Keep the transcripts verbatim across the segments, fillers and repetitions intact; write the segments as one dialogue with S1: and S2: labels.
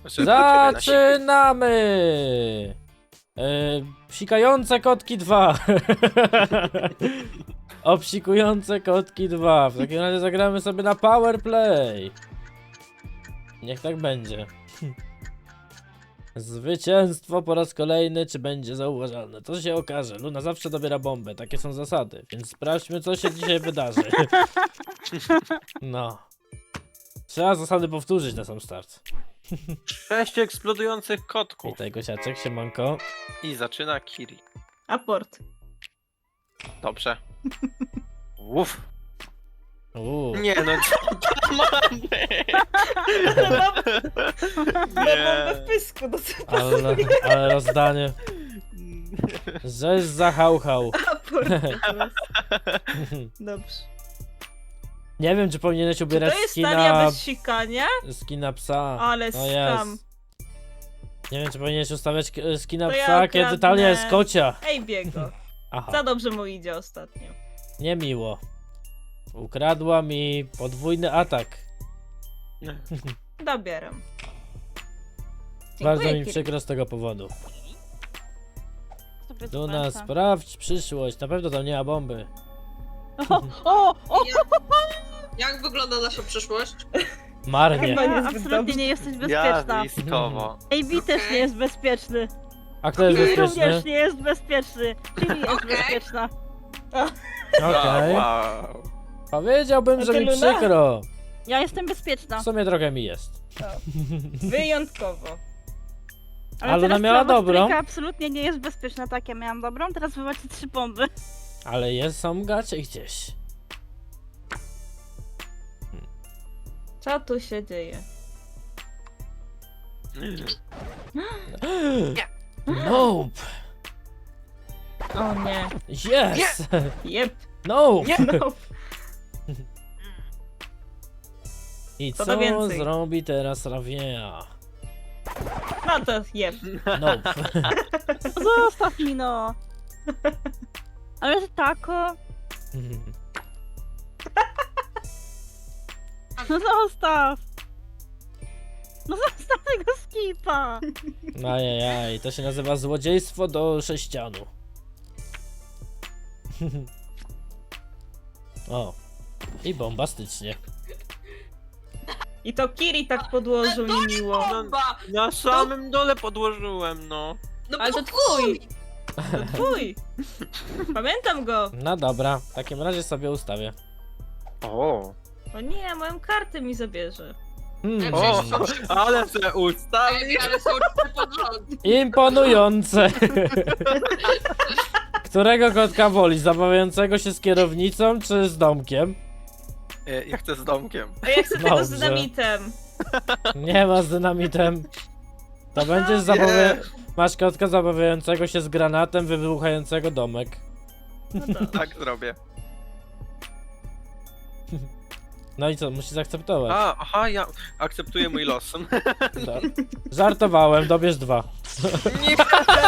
S1: Zaczynamy! E, psikające kotki dwa. Obsikujące kotki dwa. W takim razie zagramy sobie na power play. Niech tak będzie. Zwycięstwo po raz kolejny, czy będzie zauważalne? To się okaże. Luna zawsze dobiera bombę, takie są zasady. Więc sprawdźmy, co się dzisiaj wydarzy. No. Trzeba zasady powtórzyć na sam start.
S2: Sześć eksplodujących kotków.
S1: Witaj Gosiaczek, siemanko.
S2: I zaczyna Kiri.
S3: Aport.
S2: Dobrze. Uff.
S1: Uuu.
S2: Nie no, co to ma być?
S3: Na
S2: Nie.
S3: bombę w pysku, no co to
S1: Ale, ale rozdanie. Żeś zahałhał.
S3: aport? Dobrze.
S1: Nie wiem, czy powinieneś
S3: Czy
S1: ubierać
S3: to jest talia
S1: skina,
S3: bez sikania?
S1: skina psa.
S3: Ale
S1: No
S3: skam.
S1: jest. Nie wiem, czy powinieneś ustawiać k- skina
S3: To ja
S1: psa, kiedy
S3: okradnę.
S1: talia jest kocia.
S3: Ej, biego.
S1: Aha,
S3: Za dobrze mu idzie ostatnio.
S1: niemiło. Ukradła mi podwójny atak.
S3: Dobieram.
S1: Bardzo mi
S3: Kiri.
S1: przykro z tego powodu.
S4: Sobie
S1: Luna,
S4: zobaczę.
S1: sprawdź przyszłość. Na pewno tam nie ma bomby.
S4: O, o, o!
S5: Jak wygląda nasza przyszłość?
S1: Marnie.
S3: Chyba
S4: Ja,
S3: niezbyt
S4: absolutnie
S3: dobrze.
S4: nie jesteś bezpieczna.
S2: Jazwiskowo.
S4: A B też nie jest bezpieczny.
S1: A kto jest
S5: Okej.
S1: bezpieczny?
S4: Również nie jest bezpieczny. Czyli jest
S5: Okej.
S4: bezpieczna.
S1: Okej.
S2: Wow.
S1: Powiedziałbym,
S3: A
S1: że
S3: ty,
S1: mi
S3: Luna?
S1: przykro.
S4: Ja jestem bezpieczna.
S1: W sumie trochę mi jest.
S3: Wyjątkowo.
S1: A Luna
S4: teraz
S1: miała
S4: prawa
S1: dobrą.
S4: trójka absolutnie nie jest bezpieczna, tak ja miałam dobrą, teraz wy macie trzy bomby.
S1: Ale jest, są gacie gdzieś.
S3: Co tu się dzieje?
S1: Nope.
S3: O nie.
S1: Yes.
S3: Jep.
S1: Nope.
S3: No.
S1: I
S3: Co
S1: co
S3: to więcej?
S1: zrobi teraz Ravia?
S3: No to jep.
S1: Nope.
S4: Zostaw mi no. Ale że tako. No zostaw. No zostaw tego skipa.
S1: Ajajaj, to się nazywa złodziejstwo do sześcianu. O. I bombastycznie.
S3: I to Kiri tak podłożył niemiło.
S5: Bomba!
S2: Na samym dole podłożyłem, no.
S5: No
S3: Ale to
S5: bo
S3: twój. To twój. Pamiętam go.
S1: No dobra, w takim razie sobie ustawię.
S2: O.
S3: O nie, moją kartę mi zabierze.
S1: Hmm.
S2: O, ale se ustawił.
S5: Ej, ale są trzy pod rząd.
S1: Imponujące! Którego kotka woli? Zabawiającego się z kierownicą czy z domkiem?
S2: E, Ja chcę z domkiem.
S3: A ja chcę tego z
S1: Dobrze.
S3: dynamitem.
S1: Nie ma z dynamitem. To będziesz zabawia... Masz kotka zabawiającego się z granatem wybuchającego domek.
S3: No to.
S2: Tak zrobię.
S1: No i co, musisz zaakceptować.
S2: A, aha, ja akceptuję mój los.
S1: No. Żartowałem, dobierz dwa.
S2: Nie.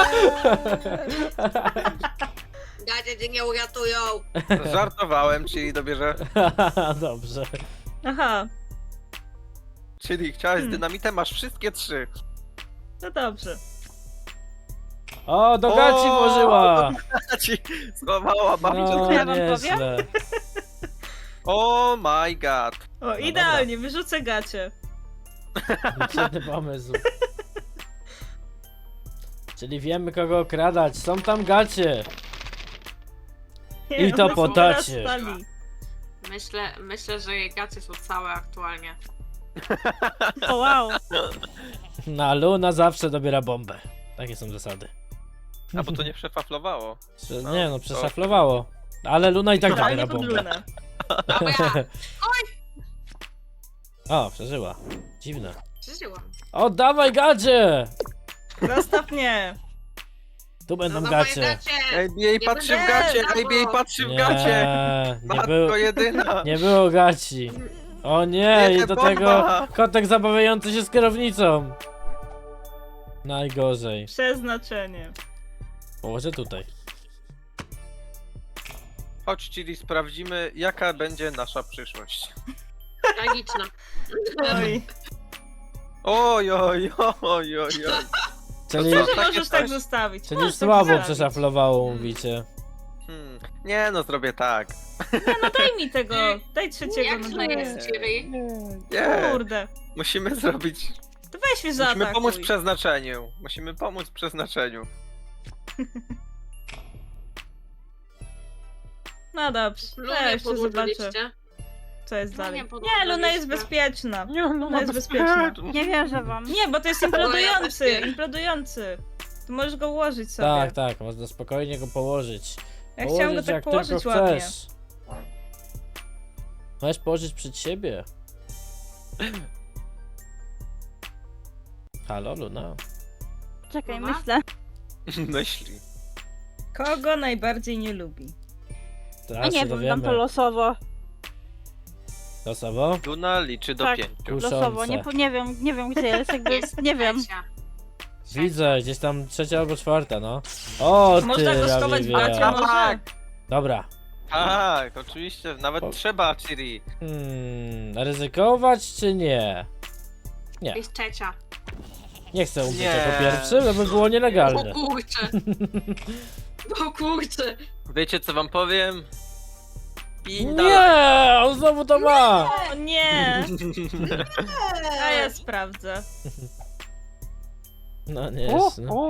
S5: Gacie cię nie uratują.
S2: Żartowałem, czyli dobierze.
S1: Dobrze.
S3: Aha,
S2: Czyli chciałeś z
S3: Hmm.
S2: dynamitem, masz wszystkie trzy.
S3: no dobrze.
S1: O, do gaci
S2: O!
S1: włożyła!
S2: Ci schowała babcia.
S1: No,
S4: ja wam
S1: nieźle.
S2: Oh my god.
S3: O, idealnie, wyrzucę gacie.
S1: Świetny pomysł. Czyli wiemy, kogo okradać. Są tam gacie. I to
S3: one
S1: po
S3: są teraz
S1: dacie.
S3: stali.
S5: Myślę, myślę, że jej gacie są całe aktualnie.
S4: O wow.
S1: Na Luna zawsze dobiera bombę. Takie są zasady.
S2: A bo to nie przefaflowało.
S1: Prze-
S2: No,
S1: nie no,
S2: to-
S1: przeszaflowało. Ale Luna i tak dobiera
S3: Idealnie pod
S1: bombę.
S3: lunę.
S5: Dobra,
S1: O, przeżyła. Dziwne.
S5: przeżyłam.
S1: O, dawaj gacie!
S3: Zostaw mnie.
S1: Tu będą
S5: No,
S1: gacie.
S5: gacie.
S2: Ej, jej patrzy w
S5: będę
S2: gacie,
S5: dawał.
S2: ej, jej patrzy w
S1: Nie,
S2: gacie.
S1: nie
S2: Matko
S1: było,
S2: jedyna.
S1: nie było gaci. O nie,
S2: Nie,
S1: i do
S2: bomba.
S1: tego kotek zabawiający się z kierownicą. Najgorzej.
S3: Przeznaczenie.
S1: Położę tutaj.
S2: Chodź, czyli sprawdzimy, jaka będzie nasza przyszłość.
S5: Tragiczna.
S3: Oj.
S2: Oj, oj, oj, oj, oj.
S1: Czyli,
S2: co?
S3: Że
S2: takie
S3: możesz tak
S2: coś.
S3: zostawić.
S1: czyli
S3: Możesz tak
S1: słabo
S3: zostawić.
S1: przeszaflowało, mówicie.
S2: Hmm. Nie no, zrobię tak.
S3: No daj mi tego, daj trzeciego
S5: Jak
S3: na
S5: to
S3: dole.
S5: jest, Ciri?
S2: Nie.
S3: Kurde.
S2: Musimy zrobić...
S3: To weź mnie
S2: Musimy
S3: zaatakuj.
S2: pomóc przeznaczeniu. Musimy pomóc przeznaczeniu.
S3: No dobrze,
S5: Lunę
S3: ja jeszcze zobaczę,
S5: podłożyliście.
S3: co jest
S5: Lunię
S3: dalej. Nie,
S5: podłożyliście.
S3: Luna jest bezpieczna.
S2: Nie, no,
S3: Luna jest bezpieczna.
S4: Nie wierzę wam.
S3: Nie, bo to jest implodujący,
S5: też nie.
S3: implodujący. Tu możesz go ułożyć sobie.
S1: Tak, tak, można spokojnie go położyć.
S3: Ja chciałam go
S1: Położyć
S3: tak
S1: jak
S3: położyć
S1: tylko
S3: ładnie.
S1: chcesz. Możesz położyć przed siebie. Halo, Luna.
S4: Czekaj,
S5: Mama?
S4: myślę.
S2: Myśli.
S3: Kogo najbardziej nie lubi?
S4: A
S1: Teraz
S4: nie
S1: się
S4: wiem, dam to
S1: dowiemy.
S4: losowo.
S1: Losowo?
S2: Luna liczy do
S4: Tak.
S2: pięciu.
S4: Losowo, nie,
S1: Kuszące.
S4: po- nie wiem, nie wiem gdzie jest, jakby,
S5: Jest
S4: nie wiem.
S5: trzecia.
S1: Widzę, gdzieś tam trzecia albo czwarta, no. O, ty,
S3: Można go schować w
S1: Rawiwia.
S3: gacie, może?
S2: Tak.
S1: Dobra.
S2: Tak, oczywiście, nawet
S1: O.
S2: trzeba, Ciri.
S1: Hmm, ryzykować czy nie? Nie,
S5: Jest trzecia.
S1: nie chcę umrzeć
S2: Nie.
S1: jako pierwszy, żeby było
S5: O
S1: nielegalne.
S5: kurcze. O kurcze.
S2: Wiecie co wam powiem? Pin
S1: Nie, on znowu to ma!
S3: O nie! A ja sprawdzę.
S1: No nie jest, no.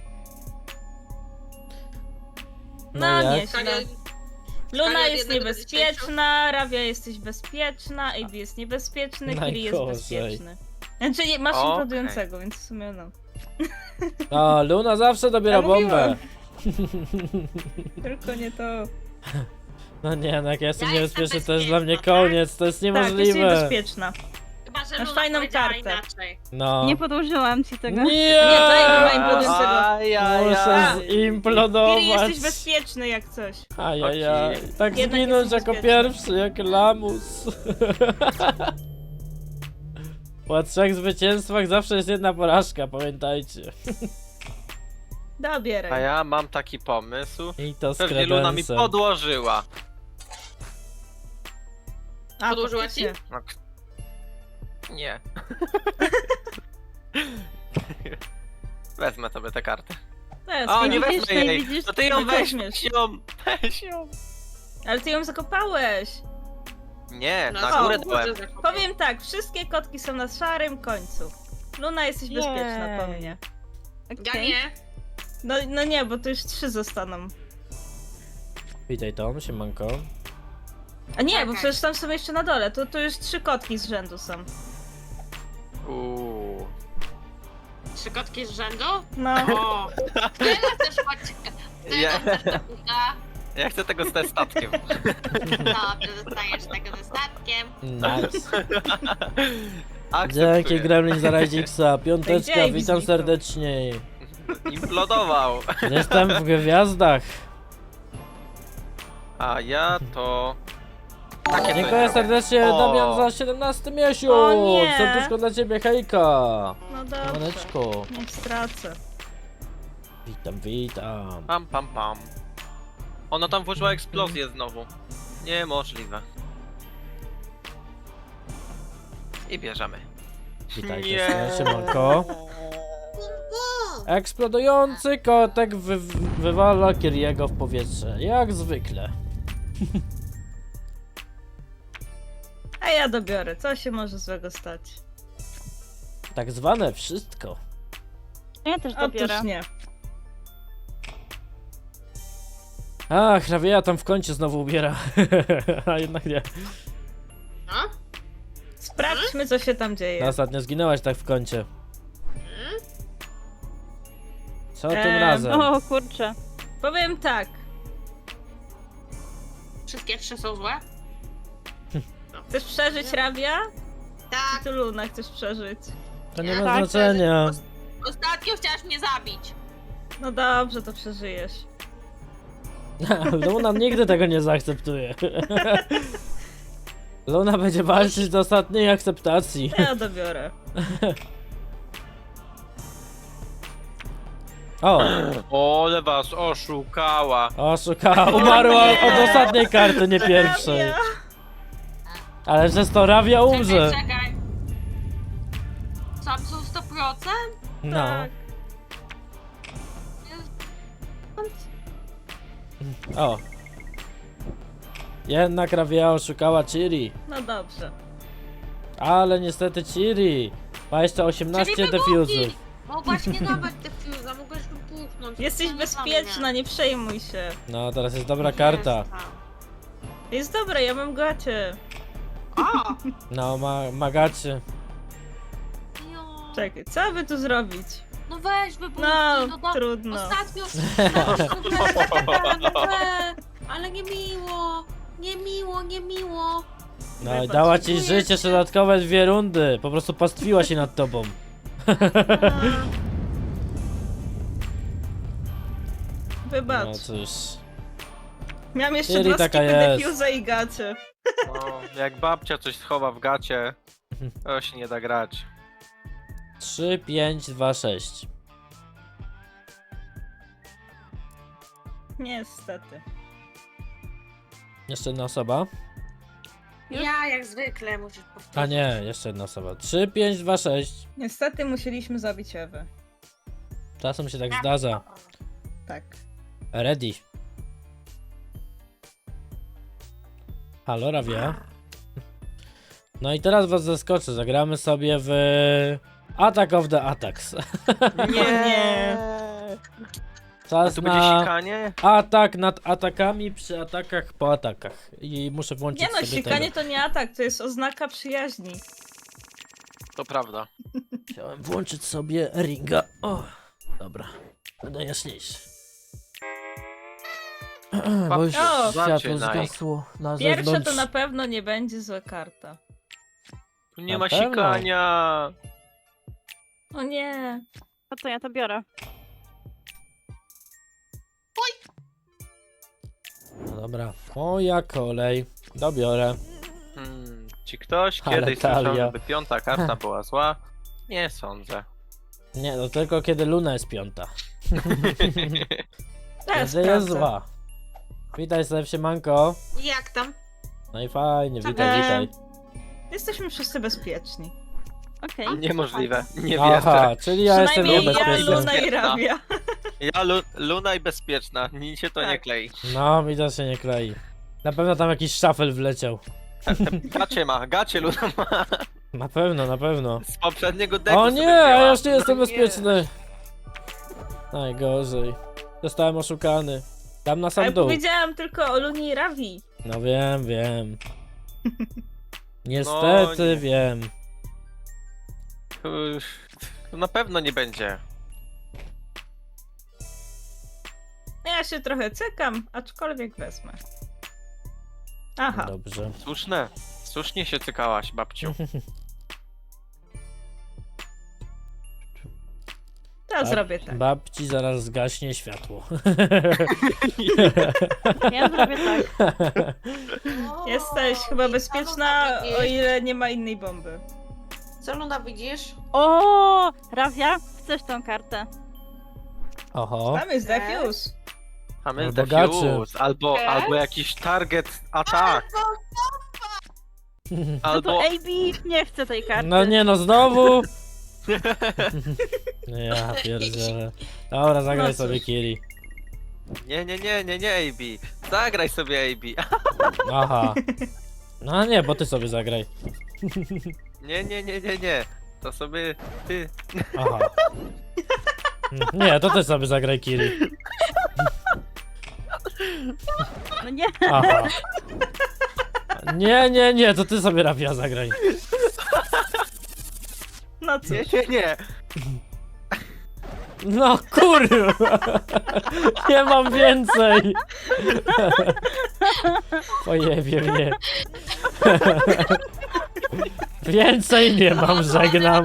S3: No
S1: jak?
S3: nieźle.
S5: Skala-
S3: Luna
S5: skala od
S3: jest
S5: jednego do
S3: niebezpieczna, Rawia jesteś bezpieczna, A B jest niebezpieczny, Kiri jest
S1: Najgorzej.
S3: bezpieczny. Znaczy nie, masz
S2: Okej.
S3: implodującego, więc w sumie no.
S1: A, Luna zawsze dobiera
S3: Ja
S1: bombę.
S3: mówiłam. Tylko nie to.
S1: No nie, no jak ja jestem
S5: Ja
S1: niebezpieczny,
S5: jestem
S1: to jest dla mnie
S5: bezpieczna, tak?
S1: koniec, to jest
S3: Tak, jest
S1: niemożliwe.
S3: niebezpieczna.
S5: Chyba, że
S3: Masz
S5: Luna
S3: fajną
S5: powiedziała
S3: kartę.
S5: inaczej.
S1: No.
S4: Nie podłożyłam ci tego.
S1: Nie!
S3: Nie, to ja nie ma implodującego.
S1: Muszę
S3: Kiri
S1: zimplodować.
S3: jesteś bezpieczny jak coś.
S1: Ajajaj.
S2: Okej.
S1: Tak
S3: Jednak
S1: zginąć
S3: jesteś
S1: jako
S3: bezpieczny.
S1: pierwszy, jak lamus. Po trzech zwycięstwach zawsze jest jedna porażka, pamiętajcie.
S3: Dobieraj.
S2: A ja mam taki pomysł.
S1: I to z
S2: Pewnie Luna mi
S1: kredensem.
S2: podłożyła.
S3: A,
S5: Podłożyła
S3: faktycznie.
S2: No, k- nie. Wezmę sobie tę kartę.
S3: To jest
S2: O,
S3: fajne.
S2: nie
S4: widzisz,
S2: wezmę
S4: nie
S2: jej.
S4: widzisz?
S2: No ty ją
S3: Nie
S2: weź,
S3: weźmiesz.
S2: weź ją, weź ją.
S3: Ale ty ją zakopałeś.
S2: Nie,
S5: No
S2: na
S5: co,
S2: górę
S5: kurczę,
S2: dałem.
S5: zakupię.
S3: Powiem tak, wszystkie kotki są na szarym końcu. Luna jesteś bezpieczna po
S4: Jej.
S3: mnie.
S5: Ja
S4: Okej.
S5: nie.
S3: No, no nie, bo to już trzy zostaną.
S1: Witaj Tom, siemanko.
S3: A nie, bo
S5: Czekaj.
S3: przecież tam są jeszcze na dole. To, to już trzy kotki z rzędu są.
S2: Uuu.
S5: Trzy kotki z rzędu?
S3: No.
S5: O. Ty chcesz chodzić... Ty
S2: Ja,
S5: chcesz do kuka.
S2: ja chcę tego z testatkiem.
S5: Dobrze, zostajesz tego ze statkiem.
S1: Nice.
S2: Akceptuję.
S1: Dzięki Gremlin za Rajdziksa. Piąteczka,
S3: Gdzie
S1: witam
S3: Xbito?
S1: serdecznie.
S2: Implodował.
S1: Jestem w gwiazdach.
S2: A ja to... Takie
S1: Dziękuję
S2: to
S1: serdecznie
S2: O.
S1: Damian za siedemnasty miesiąc.
S3: O nie.
S1: Serduszko dla ciebie, hejka.
S3: No dobrze.
S1: Maneczko.
S3: Niech stracę.
S1: Witam, witam.
S2: Pam, pam, pam. Ona tam włożyła eksplozję znowu. Niemożliwe. I bierzemy.
S1: Witajcie,
S2: Nie.
S1: siemanko. Eksplodujący kotek wy wywala Kiriego w powietrze, jak zwykle.
S3: A ja dobiorę. Co się może złego stać?
S1: Tak zwane wszystko.
S4: Ja też dobiorę.
S3: Otóż nie.
S1: Ach, Rawia tam w kącie znowu ubiera. A jednak nie.
S5: No?
S3: Sprawdźmy, co się tam dzieje.
S1: No, ostatnio zginęłaś tak w kącie. Co tym
S3: Em,
S1: razem?
S4: O kurczę.
S3: Powiem tak.
S5: Wszystkie trzy są złe?
S3: Chcesz przeżyć Rawia?
S5: Tak.
S3: Czy ty Luna chcesz przeżyć?
S1: To nie
S5: tak,
S1: ma
S4: tak,
S1: znaczenia.
S5: Ostatnio chciałaś mnie zabić.
S3: No dobrze, to przeżyjesz.
S1: Luna nigdy tego nie zaakceptuje. Luna będzie walczyć do ostatniej akceptacji.
S3: Ja dobiorę.
S2: No
S1: O,
S2: Ole was oszukała.
S1: oszukała, umarła od ostatniej karty, nie pierwszej.
S3: Rawia.
S1: Ale przez to Rawia umrze.
S5: Czekaj, czekaj. Co
S1: No.
S3: Tak.
S1: O. Jednak Ravia oszukała Ciri.
S3: No dobrze.
S1: Ale niestety Ciri ma jeszcze osiemnaście
S5: Czyli
S1: defuzów.
S5: Mogłaś nie dawać defuza, mogłaś wybuchnąć.
S3: Jesteś
S5: To nie
S3: bezpieczna,
S5: dla mnie.
S3: nie przejmuj się.
S1: No, teraz jest dobra karta.
S5: Jestem.
S3: Jest dobra, ja mam gacie.
S5: O!
S1: No, ma, magacie.
S5: Jo.
S3: Czekaj, co by tu zrobić?
S5: No weź wybuchnij,
S3: No,
S5: no, do...
S3: trudno.
S5: Ostatnio... no we, ale nie miło, nie miło, nie miło.
S1: No i
S3: Wybacz.
S1: dała ci
S5: Dziękuję
S1: życie
S5: ci.
S1: dodatkowe dwie rundy. Po prostu pastwiła się nad tobą.
S3: Wybacz.
S1: No cóż.
S3: Miałam jeszcze
S1: Ciri
S3: dwa
S1: taka
S3: skipy
S1: jest.
S3: defuza i gacie.
S2: No, jak babcia coś schowa w gacie, to się nie da grać.
S1: trzy, pięć, dwa, sześć.
S3: Niestety.
S1: Jeszcze jedna osoba.
S5: Ja jak zwykle musisz powtórzyć.
S1: A nie, jeszcze jedna osoba. trzy, pięć, dwa, sześć.
S3: Niestety musieliśmy zabić Ewę.
S1: Czasem się tak zdarza.
S3: Tak.
S1: Ready. Halo, Ravia. No i teraz was zaskoczę. Zagramy sobie w Attack of the Attacks.
S3: Nie.
S2: A
S1: Czas
S2: tu będzie
S1: na
S2: sikanie?
S1: atak nad atakami przy atakach po atakach. I muszę włączyć
S3: Nie no,
S1: sobie
S3: sikanie
S1: tego.
S3: to nie atak, to jest oznaka przyjaźni.
S2: To prawda.
S1: Chciałem włączyć sobie ringa. O, dobra. Będę jaśniejszy. Bo już
S3: O!
S1: światło
S2: Zaczynaj.
S1: zgasło na
S3: Pierwsza
S1: zewnątrz.
S3: to na pewno nie będzie zła karta.
S2: Tu nie
S1: Na
S2: ma
S1: pewno.
S2: sikania.
S3: O nie.
S4: No to ja to biorę.
S1: No dobra, moja kolej. Dobiorę.
S2: Hmm, czy ktoś
S1: Ale
S2: kiedyś słyszał,
S1: talia.
S2: żeby piąta karta była zła? Nie sądzę.
S1: Nie, no tylko kiedy Luna jest piąta.
S3: Teraz
S1: Kiedy jest
S3: sprawdzę.
S1: zła. Witaj sobie, siemanko.
S5: Jak tam?
S1: No i fajnie,
S5: Co
S1: witaj,
S3: tam?
S1: witaj.
S3: Jesteśmy wszyscy bezpieczni.
S4: Okej.
S2: Niemożliwe, nie
S1: Aha,
S2: wierzę.
S1: czyli ja jestem
S3: Przynajmniej ja,
S1: niebezpieczny.
S3: Luna i
S2: Bezpieczna.
S3: Ravia.
S2: Ja lu Luna i bezpieczna, nic się to nie
S3: Tak.
S2: klei.
S1: No, mi to się nie klei. Na pewno tam jakiś szafel wleciał.
S2: Gacie ma, gacie Luna ma.
S1: Na pewno, na pewno.
S2: Z poprzedniego deku
S1: O
S2: sobie
S1: nie, a
S2: wzięła.
S1: ja już nie jestem
S2: No
S1: bezpieczny. Najgorzej. Zostałem oszukany. Tam na
S3: Ale
S1: sam dół.
S3: powiedziałam tylko o Lunie i Ravii.
S1: No wiem, wiem. Niestety
S2: nie.
S1: wiem.
S2: Uff, na pewno nie będzie.
S3: Ja się trochę cykam, aczkolwiek wezmę. Aha.
S1: Dobrze.
S2: Słuszne. Słusznie się cykałaś, babciu.
S3: To ja zrobię tak.
S1: Babci zaraz zgaśnie światło.
S4: Ja zrobię tak.
S3: Jesteś chyba bezpieczna, o ile nie ma innej bomby.
S5: Co Luna widzisz?
S4: O, Ravia, chcesz tą kartę?
S1: Oho.
S3: Tam jest defuse.
S2: A my
S1: Albo
S2: defuse, albo,
S5: Yes.
S2: albo jakiś target attack,
S4: No
S2: albo...
S4: to A B nie chcę tej karty.
S1: No nie no, znowu! Ja pierdzielę. Dobra, zagraj
S3: No cóż.
S1: sobie Kiri.
S2: Nie, nie, nie, nie, nie, A B. Zagraj sobie A B.
S1: Aha. No nie, bo ty sobie zagraj.
S2: Nie, nie, nie, nie, nie. To sobie ty.
S1: Aha. Nie, to też sobie zagraj Kiri.
S4: No nie.
S1: Aha. Nie, nie, nie, to ty sobie Ravia zagraj.
S3: No cóż.
S2: Nie, nie, nie.
S1: No kurwa! Nie mam więcej! Pojebie mnie. Więcej nie mam, żegnam.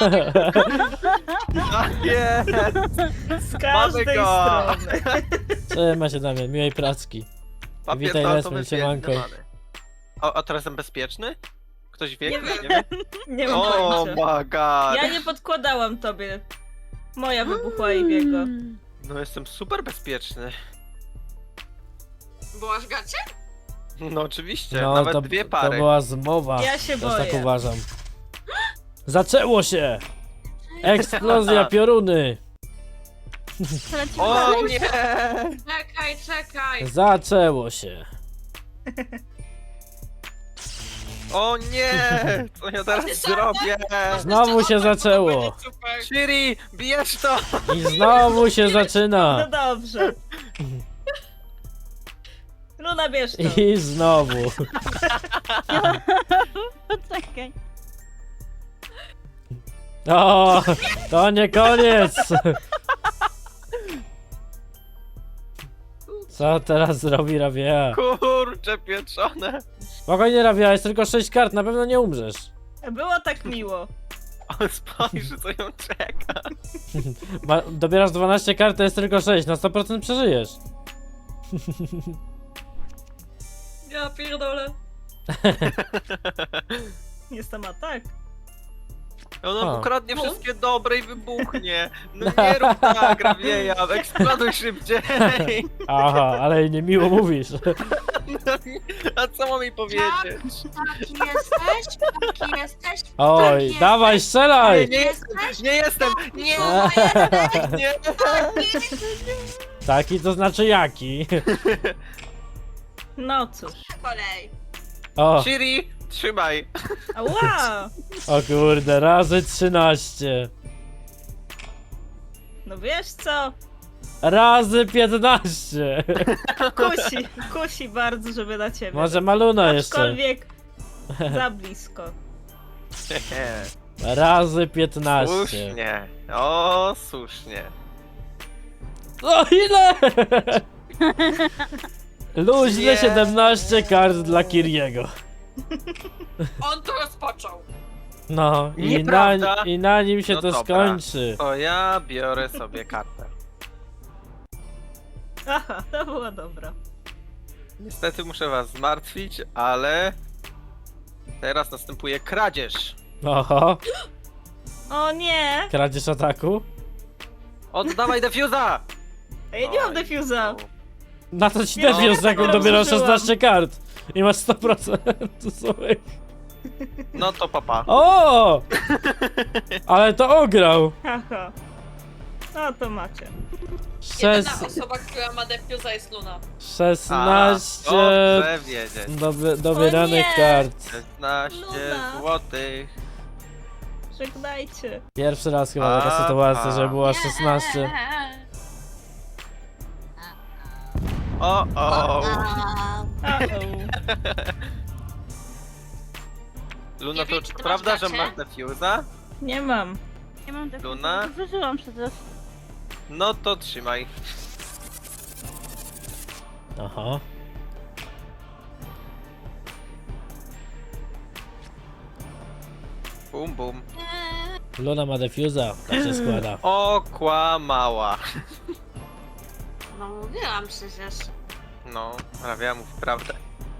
S2: A nie.
S3: Z każdej
S2: Mamy go.
S3: strony.
S1: Trzymaj się, Damian, miłej pracki.
S2: Papier
S1: Witaj,
S2: toaletowy
S1: Lesman, siemanko.
S2: zjedzony. A, a teraz jestem bezpieczny? Ktoś wie?
S3: Nie
S2: Ktoś
S3: wiem.
S2: nie wie?
S3: Nie mam
S2: Oh
S3: pojęcia.
S2: my god.
S3: Ja nie podkładałam tobie. Moja wybuchła i biego.
S2: No jestem super bezpieczny.
S5: Byłaś gacie?
S2: No oczywiście,
S1: No,
S2: nawet
S1: to,
S2: dwie
S1: to
S2: pary.
S1: była zmowa.
S3: Ja się
S1: Też tak
S3: boję.
S1: uważam. Zaczęło się! Eksplozja, pioruny.
S4: To lecimy
S2: O
S4: dalej.
S2: nie!
S5: Czekaj, czekaj.
S1: Zaczęło się.
S2: O nie! Co ja teraz zrobię?
S1: Znowu się zaczęło.
S5: Super.
S2: Shiri, bierz to!
S1: I znowu się
S3: No
S1: zaczyna.
S3: dobrze. Luna, bierz to.
S1: I znowu.
S4: Poczekaj.
S1: O, to nie koniec. Co teraz zrobi Rabia?
S2: Kurcze pieczone!
S1: Spokojnie Rabia, jest tylko sześć kart, na pewno nie umrzesz.
S3: Było tak miło.
S2: Ale spojrz, co ją czeka.
S1: Ma, dobierasz dwanaście kart, to jest tylko sześć, na sto procent przeżyjesz.
S5: Ja pierdolę.
S3: Jestem atak.
S2: Ona
S1: A.
S2: ukradnie wszystkie dobre i wybuchnie. No nie rób tak, Rabieja, eksploduj szybciej.
S1: Aha, ale niemiło mówisz.
S2: A co mam jej powiedzieć?
S5: Taki jesteś? Taki jesteś?
S1: Oj,
S5: Taki
S1: dawaj,
S5: jesteś?
S1: strzelaj!
S2: Nie jestem, nie jestem, nie,
S5: No, jesteś.
S2: nie.
S1: Taki to znaczy jaki?
S3: No cóż.
S5: Kolej.
S1: O,
S2: Shiri, trzymaj.
S3: Ała!
S1: o kurde, razy trzynaście.
S3: No wiesz co?
S1: Razy piętnaście.
S3: Kusi, kusi bardzo, żeby na ciebie.
S1: Może Maluna jeszcze.
S3: Aczkolwiek za blisko.
S1: Razy piętnaście.
S2: Słusznie, o słusznie.
S1: O ile? Luźne
S2: Nie.
S1: siedemnaście kart dla Kiriego.
S5: On to rozpoczął.
S1: No i na,
S2: Nieprawda.
S1: i na nim się
S2: No
S1: to
S2: dobra.
S1: skończy.
S2: To ja biorę sobie kartę.
S3: Aha, to było dobra.
S2: Niestety muszę was zmartwić, ale teraz następuje kradzież.
S1: Oho,
S3: O nie!
S1: kradzież ataku?
S2: Oddawaj defuza!
S3: A ja nie mam
S2: Oj,
S3: defuza.
S2: no.
S1: Na to ci
S3: Ja
S1: defius,
S3: się
S1: jak
S3: dopiero
S1: dobierasz
S3: zużyłam.
S1: szesnaście kart. I masz sto procent swoich.
S2: No to papa.
S1: O! Ale to ograł.
S3: Haha. No to macie.
S1: Szes...
S5: osoba, która ma defuza jest Luna.
S1: szesnaście
S2: Dobrze wiedzieć.
S1: doby, dobieranych
S3: nie.
S1: kart.
S2: szesnaście
S3: Luna.
S2: złotych.
S3: Żegnajcie.
S1: Pierwszy raz chyba taka
S2: A,
S1: sytuacja,
S2: a.
S1: że była szesnaście.
S2: O, o.
S3: Uh-oh.
S2: Luna,
S5: Nie
S2: to
S5: wiem,
S2: czy
S5: czy ty
S2: prawda,
S5: masz
S2: że
S5: gacie?
S2: masz defuza?
S3: Nie mam.
S4: Nie mam defuza,
S2: Luna?
S4: bo zużyłam przecież.
S2: No to trzymaj.
S1: Aha.
S2: Bum, bum.
S1: Luna ma defuza, tak się składa.
S2: Okłamała.
S5: No mówiłam przecież.
S2: No, Rabia mów prawdę.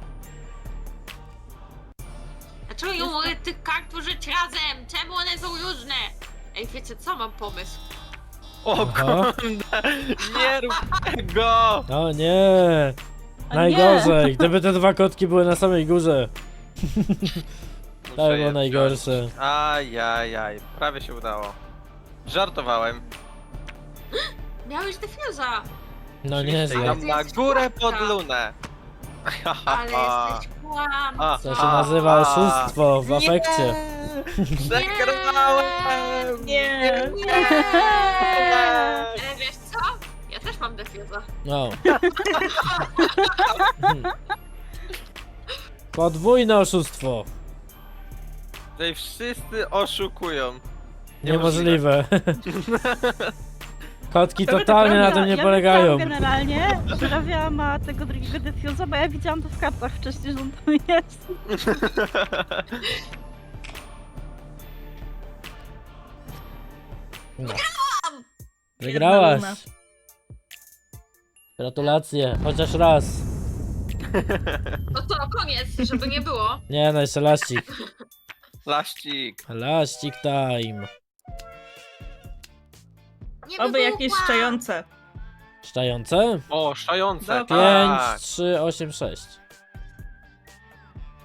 S5: Dlaczego nie mogę tych kart użyć razem? Czemu one są różne? Ej, wiecie co? Mam pomysł.
S2: O
S1: Aha.
S2: kurde, nie rób tego!
S1: O nie!
S4: O
S1: Najgorzej! Gdyby te dwa kotki były na samej górze.
S2: Muszę
S1: To
S2: je
S1: było najgorsze.
S2: wziąć. Ajajaj, prawie się udało. Żartowałem.
S5: Miałeś defuza.
S1: No
S2: Oczywiście
S1: nieźle.
S2: idą na górę pod lunę.
S5: Ale jesteś kłam.
S2: A,
S1: To się
S2: a,
S1: nazywa
S2: a.
S1: oszustwo w afekcie.
S2: Przegrałem!
S3: Nie.
S5: Nie. Ale wiesz co? Ja też mam defuza.
S1: No. Podwójne oszustwo.
S2: Tutaj wszyscy oszukują.
S1: Niemożliwe. Kotki
S3: To by
S1: totalnie na
S3: prawda,
S1: tym nie
S4: ja
S1: polegają.
S4: wiedziałam generalnie, że Rawia ma tego drugiego defuza, bo ja widziałam to w kartach wcześniej, że on tam jest.
S1: No.
S3: Biedna Luna.
S1: Wygrałaś. Gratulacje, chociaż raz.
S5: No to koniec, żeby nie było.
S1: Nie no, jeszcze laścik.
S2: Laścik.
S1: Laścik time.
S5: Nie
S3: Oby jakieś
S5: wybuchła.
S3: szczające.
S2: O,
S1: Szczające?
S3: No,
S2: szające.
S1: pięć,
S2: Tak.
S1: trzy, osiem, sześć.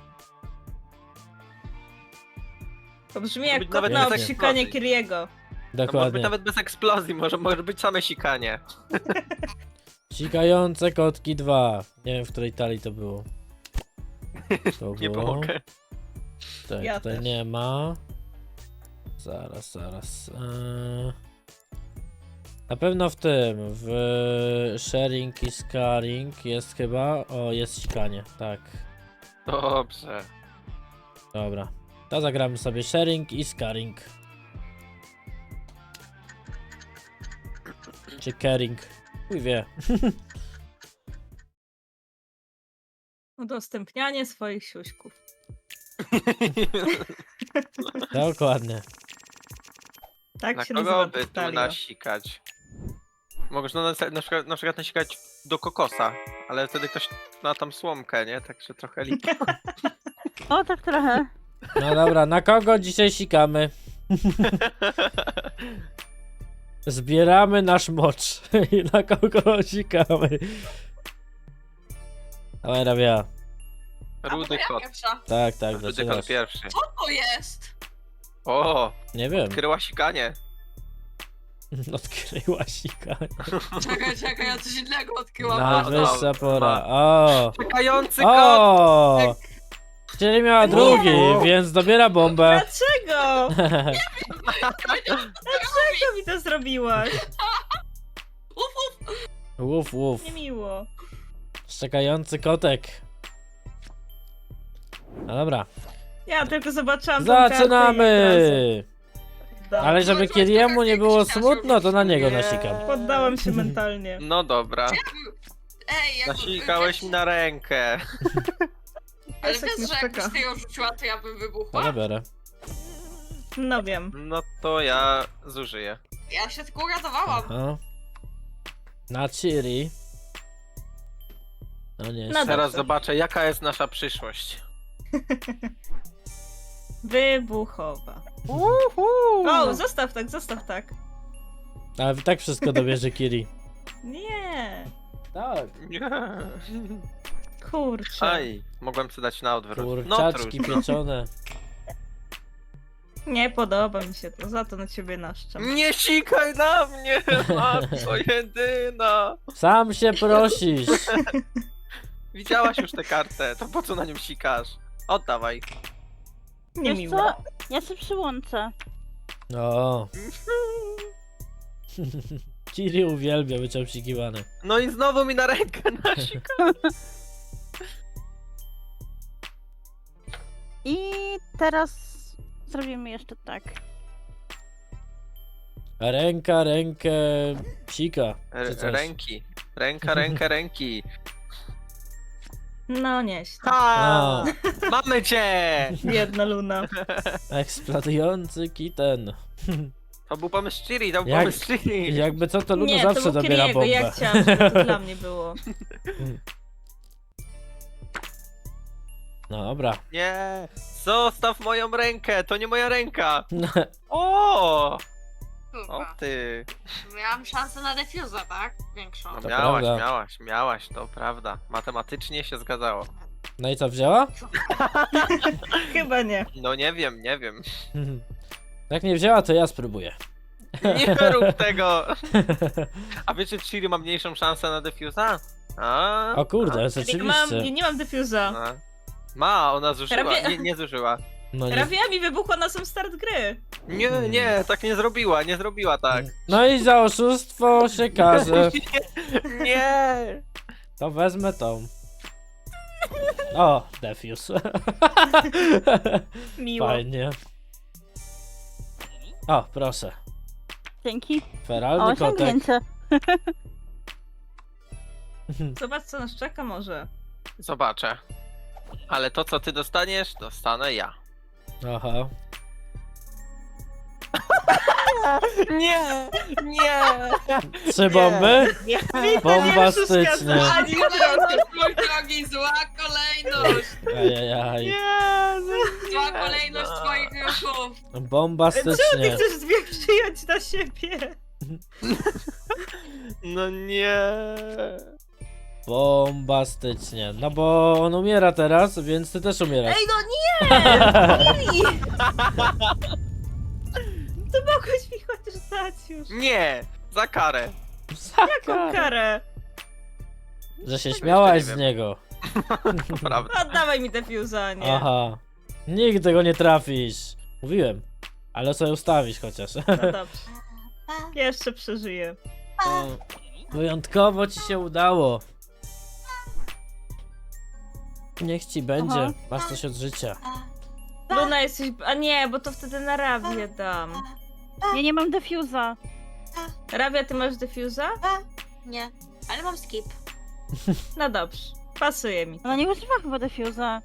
S3: To brzmi
S2: To
S3: jak
S2: być
S3: kot
S2: nawet
S3: na
S1: nie
S3: obsikanie
S2: eksplozji.
S3: Kiriego.
S2: No może być
S1: Dokładnie.
S2: nawet bez eksplozji, może, może być same sikanie.
S1: Sikające kotki dwa. Nie wiem, w której talii to było. To
S2: Nie
S1: było.
S2: pomogę.
S1: Tak,
S3: Ja
S1: tutaj
S3: też.
S1: nie ma. Zaraz, zaraz. Eee... Na pewno w tym, w sharing i scaring jest chyba. O, jest sikanie, tak.
S2: Dobrze.
S1: Dobra. To zagramy sobie sharing i scaring. Czy caring? Chuj wie.
S3: Udostępnianie swoich siuśków.
S1: Dokładnie.
S3: Tak
S2: Na
S3: się
S2: kogo
S3: nazywa
S2: by
S3: ta
S2: tu
S3: talia.
S2: nasikać? Możesz na, na, przykład, na przykład nasikać do kokosa, ale wtedy ktoś ma tam słomkę, nie? Także trochę lipa.
S4: O, tak trochę.
S1: No dobra, na kogo dzisiaj sikamy? Zbieramy nasz mocz. I na kogo sikamy? Dawaj, Rabia.
S2: Rudy
S5: ja
S2: kot.
S5: pierwsza.
S1: Tak, tak,
S2: Rudy
S1: zaczynasz.
S2: kot pierwszy.
S5: Co to jest?
S2: O,
S1: Nie wiem.
S2: kryła sikanie.
S1: Odkryła sikanie.
S5: Czekaj, czekaj, ja coś innego odkryłam.
S1: Najwyższa
S2: no,
S1: pora. O!
S2: Czekający kot!
S1: O! Czyli miała drugi, więc dobiera bombę.
S3: Dlaczego?
S5: Dlaczego
S3: Dlaczego mi to zrobiłaś?
S5: Uf, uf.
S1: Łuf, łuf.
S3: Niemiło.
S1: Szczekający kotek. No dobra.
S3: Ja tylko zobaczyłam tą kartę i od
S1: Zaczynamy!
S3: razu
S1: Ale żeby Kiriemu nie było smutno, to na niego
S2: Nie.
S1: nasikam.
S3: Poddałam się mentalnie.
S2: No dobra.
S5: Ej, jak
S2: Nasikałeś mi na rękę.
S5: Ale
S3: Piesek
S5: wiesz,
S3: mnie
S5: że jakbyś
S3: szczeka.
S5: ty ją rzuciła, to ja bym
S1: To
S5: wybuchła?
S1: nie biorę.
S3: No wiem.
S2: No to ja zużyję.
S5: Ja się tylko uratowałam.
S1: Aha. Na Ciri. No nie.
S3: No
S2: Teraz
S3: dobrze.
S2: zobaczę, jaka jest nasza przyszłość.
S3: Wybuchowa.
S4: Uhu.
S3: O, zostaw tak, zostaw tak.
S1: Ale i tak wszystko dobierze Kiri.
S3: Nie.
S1: Tak.
S2: Nie.
S3: Kurczę.
S2: Aj, mogłem sobie dać na odwrót. No
S1: Kurczaczki
S2: trudno.
S1: pieczone.
S3: Nie podoba mi się to, za to na ciebie naszczam.
S2: Nie sikaj na mnie, matko jedyna.
S1: Sam się prosisz.
S2: Widziałaś już tę kartę, to po co na nią sikasz? Oddawaj.
S3: Nie
S4: Wiesz
S3: miło.
S4: co? Ja się przyłączę.
S1: O. Kiri uwielbia być obsikiwany.
S2: No i znowu mi na rękę nasika.
S4: I teraz zrobimy jeszcze tak.
S1: Ręka, rękę, sika. Czy
S2: R-
S1: coś.
S2: ręki. Ręka, ręka, ręki.
S3: No nieźle.
S2: Ha! Mamy cię!
S3: Biedna Luna.
S1: Eksplodujący kitten.
S2: To był pomysł Chiri, to był
S1: Jak-
S2: pomysł Chiri.
S1: Jakby co, to Luna
S3: Nie,
S1: zawsze
S3: to był
S1: dobiera
S3: Kiriego,
S1: bombę.
S3: ja chciałam, żeby to dla mnie było.
S1: No dobra.
S2: Nie! Zostaw moją rękę, to nie moja ręka! O! O
S5: Kurwa.
S2: ty!
S5: Miałam szansę na defuza, tak? Większą.
S2: No
S1: To
S2: miałaś,
S1: prawda.
S2: miałaś, miałaś, to prawda. Matematycznie się zgadzało.
S1: No i co, wzięła?
S3: Chyba nie.
S2: No nie wiem, nie wiem.
S1: Jak nie wzięła, to ja spróbuję.
S2: Nie rób tego! A wiecie, czy Chiri ma mniejszą szansę na defuza? A?
S1: O kurde,
S3: Nie mam,
S1: rzeczywiście.
S3: nie mam defuza.
S2: A. Ma, ona zużyła.
S3: Prawie-
S2: Nie, nie zużyła.
S1: No, nie...
S3: Rawia mi wybuchła na sam start gry.
S2: Nie, nie, tak nie zrobiła, nie zrobiła tak.
S1: no i za oszustwo się każe.
S2: Nie!
S1: To wezmę tą. O, defuse.
S3: Miło.
S1: Fajnie. O, proszę.
S4: Dzięki.
S1: Feralny
S4: O,
S1: kotek.
S4: osiągnięcie.
S3: Zobacz co nas czeka może.
S2: Zobaczę. Ale to, co ty dostaniesz, dostanę ja.
S1: Aha.
S2: Nie! Nie!
S1: Trzy bomby?
S3: Witam,
S1: Bombastycznie.
S3: Jezuska, ani trochę.
S5: Mój drogi, zła kolejność!
S1: Ajajaj.
S2: Nie!
S5: Zła kolejność twoich ruchów!
S3: Czemu ty
S1: Bombastycznie.
S3: chcesz dwie przyjąć na siebie?
S2: No nie!
S1: Bombastycznie. No bo on umiera teraz, więc ty też umierasz.
S3: Ej no nie! Lili! To mogłeś mi chociaż dać już.
S2: Nie! Za karę.
S3: Jaką karę?
S1: Że się
S2: Tego
S1: śmiałaś
S2: jeszcze
S1: z
S2: nie
S1: niego.
S2: Prawda.
S3: Oddawaj mi defuza, nie?
S1: Aha. Nigdy go nie trafisz. Mówiłem. Ale sobie ustawisz chociaż.
S3: No dobrze. Jeszcze przeżyję.
S1: No, wyjątkowo ci się udało. Niech ci będzie.
S4: Aha.
S1: Masz coś od życia.
S3: Luna jesteś... A nie, bo to wtedy na Rawię dam.
S4: Ja nie mam defuza.
S3: Rawia, ty masz defuza?
S5: Nie, ale mam skip.
S3: No dobrze. Pasuje mi.
S4: Ona nie używa chyba defuza.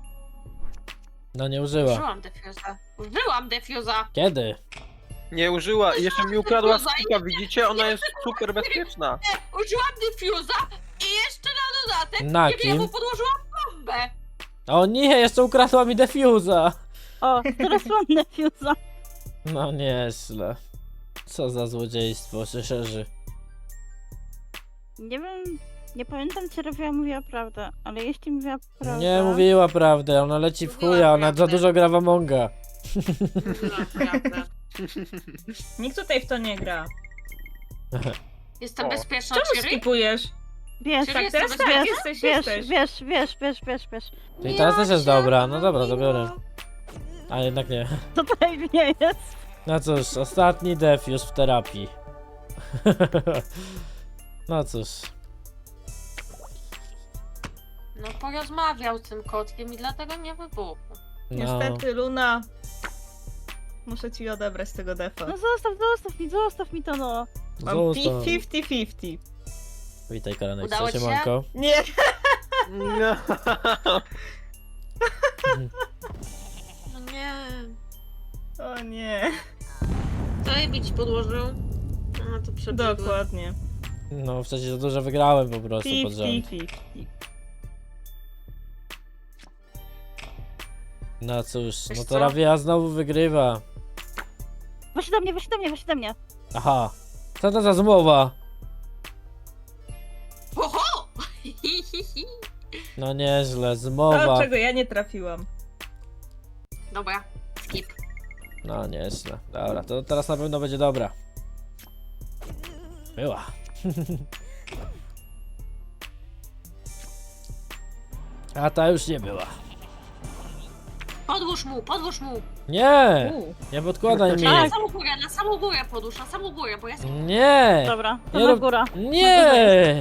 S1: No nie użyła.
S5: Użyłam defuza. Użyłam defuza.
S1: Kiedy?
S2: Nie użyła i jeszcze mi ukradła
S5: Defuza i
S2: skipa, widzicie? Ona jest super bezpieczna.
S5: Użyłam defuza i jeszcze na dodatek
S1: Na
S5: kiedy ja mu
S1: kim?
S5: podłożyłam bombę.
S1: O nie, jeszcze ukradła mi defuza.
S4: O, teraz mam defuza.
S1: No nieźle. Co za złodziejstwo się szerzy.
S4: Nie wiem, nie pamiętam czy Rawia mówiła prawdę, ale jeśli mówiła prawdę...
S1: Nie mówiła prawdę, ona leci w
S5: Mówiła
S1: chuja, ona za
S5: prawdę.
S1: dużo gra w Amonga.
S5: Naprawdę.
S3: Nikt tutaj w to nie gra.
S5: Jestem
S2: O.
S5: bezpieczna,
S3: Czemu
S5: Ciri?
S3: skipujesz?
S4: Wiesz,
S5: Czyli
S3: Tak,
S5: jestem
S3: teraz tak,
S5: bezpieczna?
S3: jesteś,
S4: wiesz,
S3: jesteś.
S4: wiesz, wiesz, wiesz, wiesz, wiesz, wiesz.
S1: Czyli teraz też jest dobra, no dobra, to biorę. A jednak nie.
S4: To tutaj nie jest.
S1: No cóż, ostatni def już w terapii. No cóż.
S5: No porozmawiał z tym kotkiem i dlatego nie wybuchł.
S1: No.
S3: Niestety, Luna. Muszę ci odebrać tego defa.
S4: No zostaw, zostaw mi, zostaw mi to no.
S3: Mam
S1: Zostaw.
S3: pięćdziesiąt pięćdziesiąt.
S1: Witaj Karanek,
S5: Udało
S1: co się
S5: ci się?
S1: manko?
S3: Nie,
S2: No.
S5: No nie.
S3: o nie.
S5: Co jej bić podłożył? No to przebiegłem.
S3: Dokładnie.
S1: No wcześniej za dużo wygrałem po prostu pod rząd.
S3: pięćdziesiąt pięćdziesiąt.
S1: No cóż,
S5: Wiesz
S1: no to
S5: co?
S1: Ravia znowu wygrywa.
S4: Weź do mnie, weź do mnie, weź do mnie.
S1: Aha. Co to za zmowa?
S5: Oho!
S1: No nieźle,
S3: To,
S1: zmowa.
S3: czego ja nie trafiłam.
S5: Dobra, skip.
S1: No nieźle. Dobra, to teraz na pewno będzie dobra. Była. A ta już nie była.
S5: Podłóż mu, podłóż mu.
S1: Nie!
S3: U.
S1: Nie podkładaj mi.
S5: Na samą górę, na samą górę podłóż, na samą górę, bo ja skip.
S1: Nie!
S4: Dobra, to
S1: Nie
S4: na
S1: rób-
S4: góra.
S1: Nie!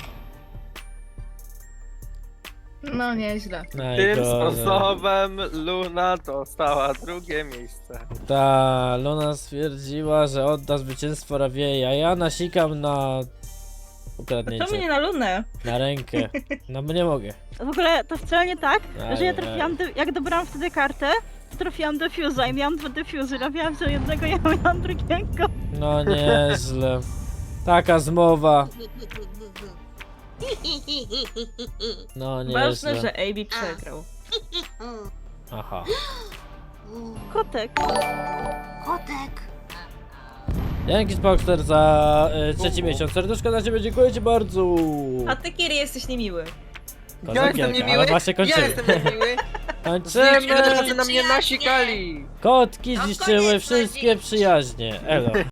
S3: No nieźle.
S2: Tym
S1: Najgorzej.
S2: sposobem Luna dostała drugie miejsce.
S1: Ta Luna stwierdziła, że odda zwycięstwo Raviei, a ja nasikam na
S3: To mnie
S1: ukradnięcie.
S3: na Lunę.
S1: Na rękę. No bo nie mogę.
S4: W ogóle to wcale nie tak,
S1: Aj,
S4: że ja
S1: aj.
S4: trafiłam, de- jak dobrałam wtedy kartę, to trafiłam defuza i miałam dwa defuzy. Rawia wziął jednego, ja miałam drugiego.
S1: No nieźle. Taka zmowa. No
S3: Ważne,
S1: nieźle.
S3: że A B przegrał.
S1: Aha.
S4: Kotek.
S5: Kotek.
S1: Dzięki Spockster za y, trzeci miesiąc. Serduszko dla ciebie, dziękuję ci bardzo.
S3: A ty, Kiri, jesteś niemiły.
S1: Kozak
S2: Ja jestem
S1: wielka,
S2: niemiły,
S1: ale właśnie
S2: ja
S1: kończymy.
S2: jestem niemiły.
S1: Kończymy.
S2: Niech razy na mnie nasikali.
S1: Kotki
S5: No
S1: zniszczyły
S5: koniec
S1: wszystkie
S5: nadziei.
S1: przyjaźnie. Elo.